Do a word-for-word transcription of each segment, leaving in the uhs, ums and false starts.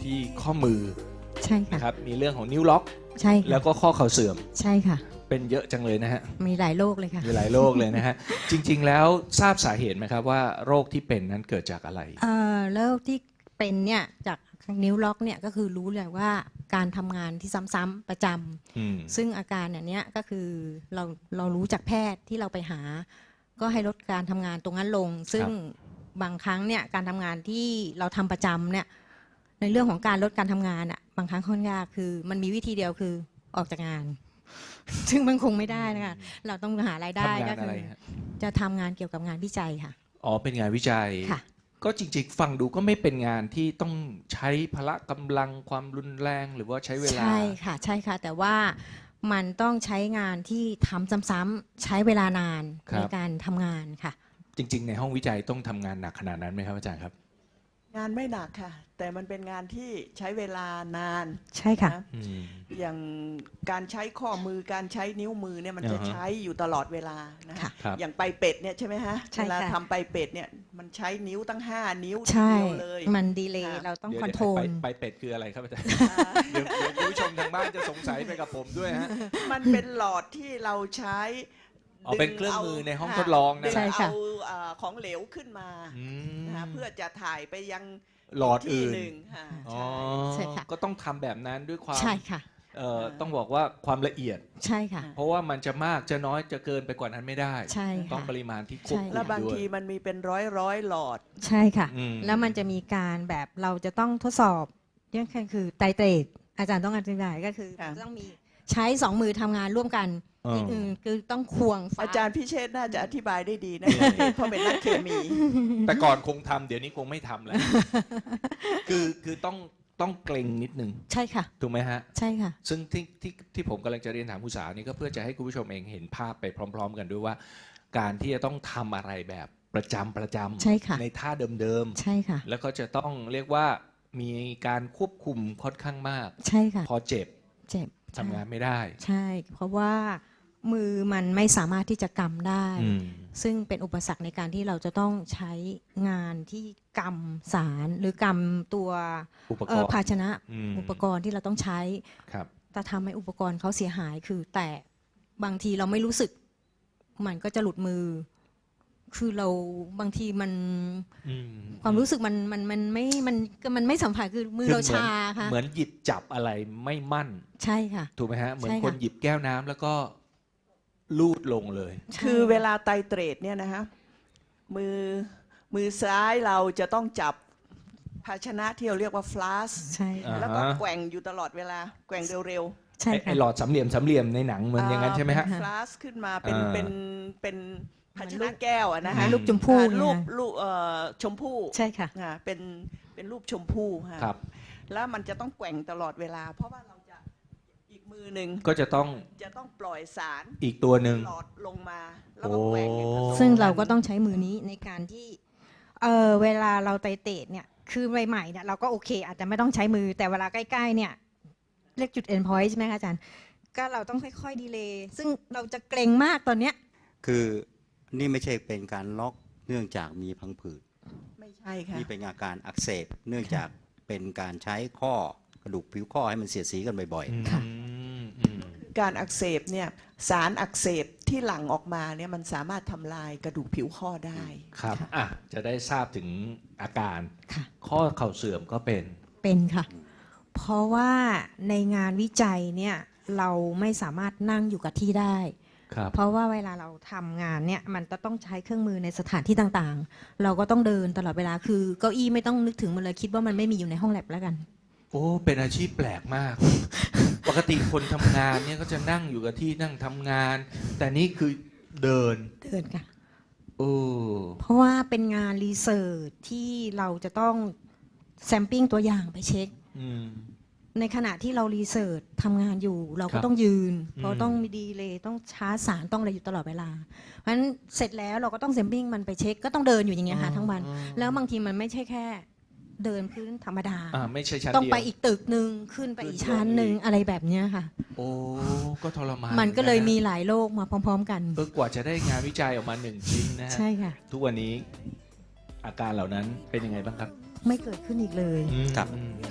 ที่ข้อมือใช่ค่ะนะครับมีเรื่องของนิ้วล็อกใช่ค่ะแล้วก็ข้อเข่าเสื่อมใช่ค่ะเป็นเยอะจังเลยนะฮะมีหลายโรคเลยค่ะมีหลายโรคเลยนะฮะ จริงๆแล้วทราบสาเหตุไหมครับว่าโรคที่เป็นนั้นเกิดจากอะไรเอ่อโรคที่เป็นเนี่ยจากนิ้วล็อกเนี่ยก็คือรู้เลยว่าการทำงานที่ซ้ำๆประจอืมำซึ่งอาการเนี่ยเนี้ยก็คือเราเรารู้จากแพทย์ที่เราไปหา ก็ให้ลดการทำงานตรงนั้นลง ซึ่งบางครั้งเนี่ยการทำงานที่เราทำประจำเนี่ยในเรื่องของการลดการทำงานอ่ะบางครั้งค่อนข้างยากคือมันมีวิธีเดียวคือออกจากงาน ซึ่งมันคงไม่ได้นะคะเราต้องหารายได้ทำงาก็นคือะไรอฮะจะทำงานเกี่ยวกับงานวิจัยค่ะอ๋อเป็นงานวิจัยค่ะก็จริงๆฟังดูก็ไม่เป็นงานที่ต้องใช้พละกำลังความรุนแรงหรือว่าใช้เวลาใช่ค่ะใช่ค่ะ แต่ว่ามันต้องใช้งานที่ทำซ้ำๆใช้เวลานานครับในการทำงานค่ะจริง ๆ ในห้องวิจัยต้องทำงานหนักขนาดนั้นไหมครับอาจารย์ครับงานไม่หนักค่ะ แต่มันเป็นงานที่ใช้เวลานานใช่ค่ะนะอืมอย่างการใช้ข้อมือการใช้นิ้วมือเนี่ยมันจะอ่าฮะใช้อยู่ตลอดเวลานะค่ะครับอย่างไปเป็ดเนี่ยใช่ไหมฮะใช่เวลาค่ะทำไปเป็ดเนี่ยมันใช้นิ้วตั้งห้านิ้วทีใช่เดียวเลยมันดีเลย์ค่ะเราต้องเดี๋ยวคอนโทรลไปไปเป็ดคืออะไรครับอาจารย์อ่าเดี๋ยวเดี๋ยวคุณผู้ชมทางบ้านจะสงสัยไปกับผมด้วยฮะมันเป็นหลอดที่เราใช้อ๋อเป็นเครื่องมือในห้องทดลองนะดึงใช่ค่ะเอาเอ่อของเหลวขึ้นมาอืมนะเพื่อจะถ่ายไปยังหลอดที่อื่นหนึ่งค่ะอ๋อใช่ใช่ค่ะก็ต้องทำแบบนั้นด้วยความใช่ค่ะเอ่อต้องบอกว่าความละเอียดใช่ค่ะเพราะว่ามันจะมากจะน้อยจะเกินไปกว่านั้นไม่ได้ใช่ต้องค่ะปริมาณที่ควบใช่คุมแล้วบางด้วยทีมันมีเป็นร้อยร้อยหลอดใช่ค่ะอืมแล้วมันจะมีการแบบเราจะต้องทดสอบเนี่ยคือไตรเตรดอาจารย์ต้องอธิบายก็คือค่ะต้องมีใช้สองมือทำงานร่วมกันอ๋ออีกอื่นคือต้องควงฟ้อาจารย์พิเชษฐ์น่าจะอธิบายได้ดีนะ เพราะเป็นนักเคมีแต่ก่อนคงทำเดี๋ยวนี้คงไม่ทำแล้ว คือคือต้องต้องเกรงนิดนึงใช่ค่ะถูกไหมฮะใช่ค่ะซึ่งที่ที่ที่ผมกำลังจะเรียนถามคุณสาวนี่ก็เพื่อจะให้คุณผู้ชมเองเห็นภาพไปพร้อม ๆ กันด้วยว่า การที่จะต้องทำอะไรแบบประจำประจำใช่ค่ะในท่าเดิมใช่ค่ะๆแล้วก็จะต้องเรียกว่ามีการควบคุมค่อนข้างมากใช่ค่ะพอเจ็บเจ็บทำงานไม่ได้ใช่ เพราะว่ามือมันไม่สามารถที่จะกำได้อืมซึ่งเป็นอุปสรรคในการที่เราจะต้องใช้งานที่กำสารหรือกำตัวอุปกเอ่อรณ์ภาชนะมอุปกรณ์ที่เราต้องใช้ครับแต่ทำให้อุปกรณ์เขาเสียหายคือ แต่บางทีเราไม่รู้สึก มันก็จะหลุดมือ คือเราบางทีมันอืมความรู้สึกมันมันมันไม่มันมันไม่สัมผัสคือมือเราชาค่ะเหมือนหยิบจับอะไรไม่มั่นใช่ค่ะถูกไหมฮะ เหมือนใช่ค่ะคนหยิบแก้วน้ำแล้วก็ลูดลงเลยคือเวลาไตรเตรดเนี่ยนะฮะมือมือซ้ายเราจะต้องจับภาชนะที่เราเรียกว่าฟลาสใช่อ่าแล้วก็แกว่งอยู่ตลอดเวลาแกว่งเร็วใช่ไอ้ค่ะไอหลอดสามเหลี่ยมสามเหลี่ยมในหนังๆเหมือนอย่างนั้นใช่ไหมฮะฟลาสขึ้นมาเป็นอ่าเป็นเป็นภาชเหมือนลูนะกแก้วอะนะเหมืฮะอนลูกชมพู่อ่าเนี่ยรูปรูปเอ่อชมพู่ใช่ค่ะอ่าเป็นเป็นรูปชมพู่ฮะครับแล้วมันจะต้องแกว่งตลอดเวลา เพราะว่าเราจะอีกมือหนึ่งก็จะต้องจะต้องปล่อยสารอีกตัวหนึ่งหลอดลงมาแล้วก็แกว่งให้ผสมซึ่งเราก็นต้องใช้มือนี้ในการที่เออเวลาเราไตรเตดเนี่ยคือใหม่ๆเนี่ยเราก็โอเค อาจจะไม่ต้องใช้มือแต่เวลาใกล้ๆเนี่ยเรียกจุด end point ใช่ไหมคะอาจารย์ก็เราต้องค่อยๆดีเลย์ซึ่งเราจะเกรงมากตอนเนี้ยคือนี่ไม่ใช่เป็นการล็อกเนื่องจากมีพังผืดไม่ใช่ค่ะนี่เป็นอาการอักเสบเนื่องจากเป็นการใช้ข้อกระดูกผิวข้อให้มันเสียดสีกันบ่อยค่ะอืมอืมการอักเสบเนี่ยสารอักเสบที่หลั่งออกมาเนี่ยมันสามารถทำลายกระดูกผิวข้อได้ครับอ่ะจะได้ทราบถึงอาการค่ะข้อเข่าเสื่อมก็เป็นเป็นค่ะ เพราะว่าในงานวิจัยเนี่ยเราไม่สามารถนั่งอยู่กับที่ได้ครับเพราะว่าเวลาเราทำงานเนี่ยมันจะต้องใช้เครื่องมือในสถานที่ต่างๆ เราก็ต้องเดินตลอดเวลาคือเก้าอี้ไม่ต้องนึกถึงมันเลยคิดว่ามันไม่มีอยู่ในห้องแลบแล้วกันโอ้เป็นอาชีพแปลกมาก ปกติคนทำงานเนี่ยก็จะนั่งอยู่กับที่นั่งทำงาน แต่นี่คือเดินเดินค่ะโอ้เพราะว่าเป็นงานรีเสิร์ชที่เราจะต้องแซมปิ้งตัวอย่างไปเช็คอืมในขณะที่เรารีเสิร์ชทำงานอยู่ เราคก็รับต้องยืน เพอืราะมต้องมีดีเลยต้องชาร์จสารต้องอะไรอยู่ตลอดเวลา เพราะฉะนั้นเสร็จแล้วเราก็ต้องแซมปิ้งมันไปเช็คก็ต้องเดินอยู่อย่างเงี้ยค่ะทั้งวันอ๋อแล้วบางทีมันไม่ใช่แค่เดินพื้นธรรมดาอ่าไม่ใช่ชั้นต้องเดียวไปอีกตึกหนึ่งขึ้นไปอีกชั้นหนึ่งขึ้นไปอีกอะไรแบบเนี้ยค่ะโอ้ก็ทรมานมันก็เลยหอมีกัะหลายโรคมาพร้อม ๆ กันเออกว่าจะได้งานวิจัยออกมาหนึ่งชิ้นนะฮะใช่ค่ะทุกวันนี้อาการเหล่านั้นเป็นยังไงบ้างครับไม่เกิดขึ้นอีกเลยอืมครับอืมค่ะ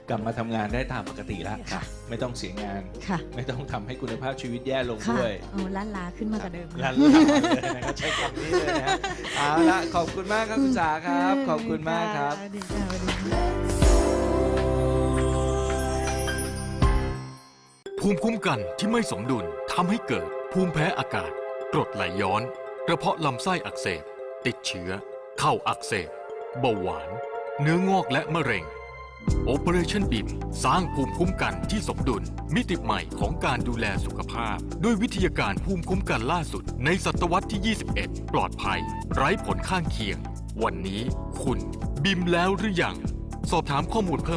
กลับมาทำงานได้ตามปกติแล้วค่ะไม่ต้องเสียงานค่ะไม่ต้องทำให้คุณภาพชีวิตแย่ลงค่ะด้วยเอาล้านลาขึ้นมากว่าเดิมลันลาเลยนะครับใช้คำนี้เลยนะฮะเอาละขอบคุณมากครับคุณสาครับ ขอบคุณมากครับดีค่ะสวัสดีค่ะภูมิคุ้มกันที่ไม่สมดุลทำให้เกิดภูมิแพ้อากาศกรดไหลย้อนกระเพาะลำไส้อักเสบติดเชื้อเข้าอักเสบเบาหวานเนื้องอกและมะเร็ง Operation บี เอ็ม สร้างภูมิคุ้มกันที่สมดุลมิติใหม่ของการดูแลสุขภาพด้วยวิทยาการภูมิคุ้มกันล่าสุดในศตวรรษที่ ยี่สิบเอ็ด ปลอดภัย ไร้ผลข้างเคียง วันนี้คุณบิมแล้วหรือยังสอบถามข้อมูลเพิ่ม